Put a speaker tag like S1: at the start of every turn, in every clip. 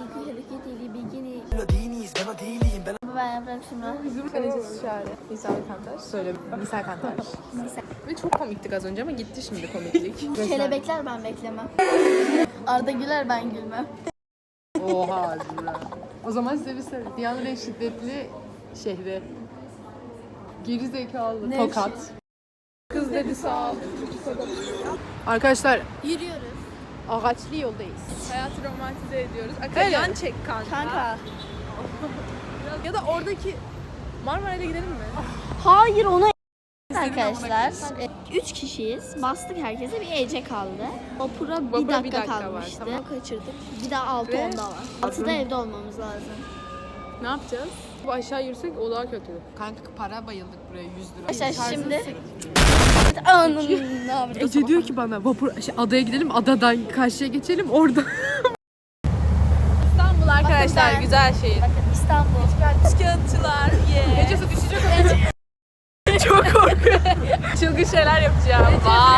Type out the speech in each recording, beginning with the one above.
S1: hareket ili bilgini. Ben yaprak şimdi.
S2: Bizim kalecisi Şare. Misal Kantar. Söyle. Misal Kantar. Ve çok komiktik az önce ama gitti şimdi komiklik.
S1: Kelebekler ben beklemem. Arda güler ben gülmem.
S2: Oha Zira. O zaman size bir soru. Dünyanın en şiddetli şehri. Geri zekalı. Tokat. Kız dedi sağ ol. Arkadaşlar
S1: Yürüyoruz.
S2: ağaçlı yoldayız. Hayatı romantize ediyoruz. Yan çek kanka.
S1: Kanka.
S2: Ya da oradaki Marmara'ya gidelim mi?
S1: Hayır ona arkadaşlar. 3 kişiyiz. Bastık herkese bir Ece kaldı. Vapura bir dakika kalmıştı.
S2: Var, tamam.
S1: Kaçırdık. Bir daha 6 onda var. 6'da evde olmamız lazım.
S2: Ne yapacağız? Bu aşağı yürüsek o daha kötü. Kanka para bayıldık buraya 100 lira.
S1: Arkadaşlar şimdi anın ne yapacağız?
S2: Ece diyor ki bana vapur adaya gidelim, adadan karşıya geçelim orada. İstanbul arkadaşlar
S1: ben-
S2: güzel şehir.
S1: Bakın İstanbul.
S2: Kağıtçılar. Ece su düşecek. Çok korkuyorum. Çılgın şeyler yapacağım.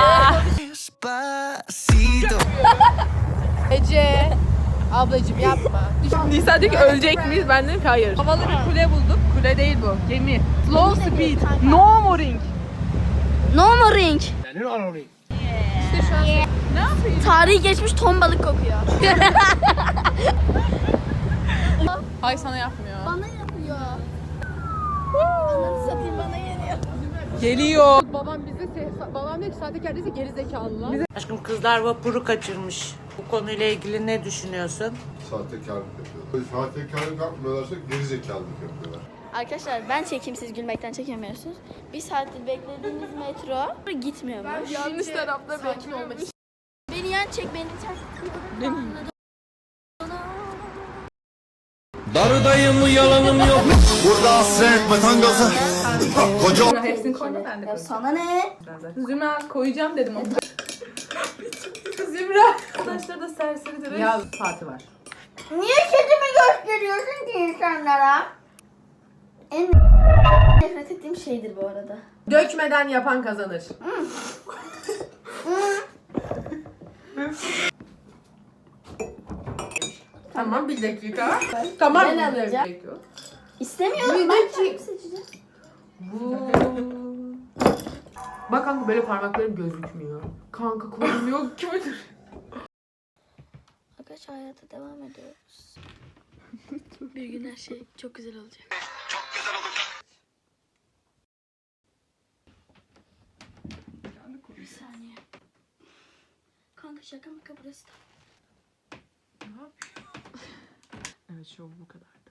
S2: Ece. Ablacığım yapma. Nisa diyor ki ölecek miyiz? Ben dedim ki hayır. Havalı bir kule bulduk. Kule değil bu. Gemi. Slow speed. No mooring.
S1: No more ring.
S2: İşte şu an ne yapayım?
S1: Tarihi geçmiş ton balık kokuyor.
S2: Hay sana yapmıyor.
S1: Bana yapıyor. Ananı satayım bana geliyor.
S2: Geliyor. Babam diyor ki sahtekar değilse geri zekalı lan.
S3: Aşkım kızlar vapuru kaçırmış. Bu konuyla ilgili ne düşünüyorsun?
S4: Sahtekarlık yapıyorlar. Sahtekarlık yapmıyorlarsa gerizekalılık yapıyorlar.
S1: Arkadaşlar ben çekeyim siz gülmekten çekemiyorsunuz. Bir saattir beklediğimiz metro gitmiyormuş.
S2: Yanlış tarafta
S1: Sakin olmak için. Beni yan çek beni çek.
S5: Darıdayım yalanım yok. Burada hasret vatan gazı. Koca
S2: Hepsini koyma ben de
S1: Ya sana ne?
S2: Zümra koyacağım dedim ama. Zümra. Arkadaşlar da serseridir. Ya saati var.
S1: Niye kedimi gösteriyorsun ki insanlara? En nefret ettiğim şeydir bu arada.
S2: Dökmeden yapan kazanır. Tamam bir dakika. Tamam.
S1: Ben alacağım. İstemiyorum.
S2: Bir
S1: Ben
S2: dakika.
S1: kendim seçeceğim.
S2: Bak kanka böyle parmaklarım gözükmüyor. Kanka kolum yok ki.
S1: Arkadaşlar hayata devam ediyoruz. Bir gün her şey çok güzel olacak. Bir saniye. Kanka şaka maka burası da.
S2: Evet şov bu kadar.